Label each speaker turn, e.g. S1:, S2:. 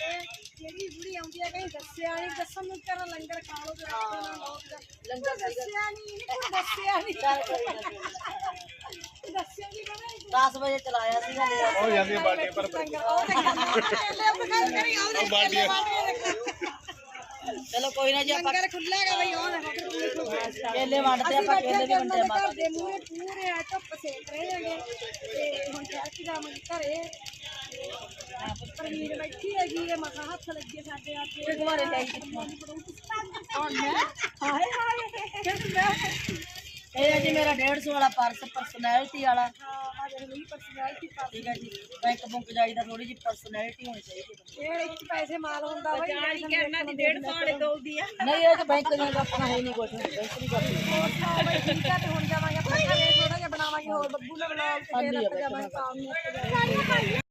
S1: ਜਿਹੜੀ ਬੁੜੀ ਆਉਂਦੀ ਹੈ ਕਹੀਂ ਦੱਸਿਆ ਨਹੀਂ ਦੱਸਣ ਨੂੰ ਕਰ ਲੰਗਰ ਖਾ ਲਓ ਲੰਗਰ ਦੱਸਿਆ ਨਹੀਂ ਦੱਸਿਆ ਨਹੀਂ ਦੱਸਿਆ ਨਹੀਂ ਕਹਿੰਦਾ
S2: 10 ਵਜੇ ਚਲਾਇਆ ਸੀਗਾ
S3: ਹੋ ਜਾਂਦੀ ਬਾਟੇ ਪਰ
S2: ਚਲੋ ਕੋਈ ਨਾ ਜੀ ਆਪਾਂ
S1: ਲੰਗਰ ਖੁੱਲਾ ਹੈਗਾ ਬਈ ਉਹ ਦੇਖੋ
S2: ਕੇਲੇ ਵੰਡਦੇ ਆਪਾਂ ਕੇਲੇ ਵੀ ਵੰਡੇ ਮਾਤਾ
S1: ਦੇ ਮੂਹਰੇ ਪੂਰੇ ਆ ਧੁੱਪ ਸੇਕ ਰਹੇ ਹੈਗੇ ਤੇ ਹੁਣ ਚੱਕ ਜਾਵਾਂਗੇ ਘਰੇ ਪਰਮੀਰ ਬੈਠੀ ਹੈਗੀ ਇਹ ਮਸਾ ਹੱਥ ਲੱਗੇ ਸਾਡੇ ਆ ਕੇ
S2: ਦੁਬਾਰੇ ਲੈ ਕੇ
S1: ਹੁਣ ਮੈਂ ਹਾਏ ਹਾਏ
S2: ਇਹ ਹੈ ਜੀ ਮੇਰਾ 150 ਵਾਲਾ ਪਰਸ ਪਰਸਨੈਲਿਟੀ ਵਾਲਾ
S1: ਹਾਂ ਆ ਦੇਖ ਲਈ ਪਰਸਨੈਲਿਟੀ
S2: ਠੀਕ ਹੈ ਜੀ ਬੈਂਕ ਬੁੰਕ ਜਾਈਦਾ ਥੋੜੀ ਜਿਹੀ ਪਰਸਨੈਲਿਟੀ ਹੋਣੀ ਚਾਹੀਦੀ
S1: ਇਹ ਇੱਕ ਪੈਸੇ ਮਾਲ ਹੁੰਦਾ ਬਈ
S4: ਜਾਣੀ ਕਰਨਾ ਦੀ 150 ਵਾਲੇ ਦੋਲਦੀ ਆ
S2: ਨਹੀਂ ਇਹ ਤਾਂ ਬੈਂਕ ਦਾ ਆਪਣਾ ਹੈ ਨਹੀਂ ਕੁਝ ਬੈਂਕ ਨਹੀਂ ਕਰਦੀ
S1: ਠੀਕ ਆ ਤੇ ਹੁਣ ਜਾਵਾਂਗੇ ਆਪਾਂ ਘਰੇ ਥੋੜਾ ਜਿਹਾ ਬਣਾਵਾਂਗੇ ਹੋਰ ਬੱਬੂ ਨਾਲ ਬਣਾ ਕੇ ਫੇਰ ਆਪਾਂ ਜਾਵਾਂਗੇ ਕੰਮ ਨੂੰ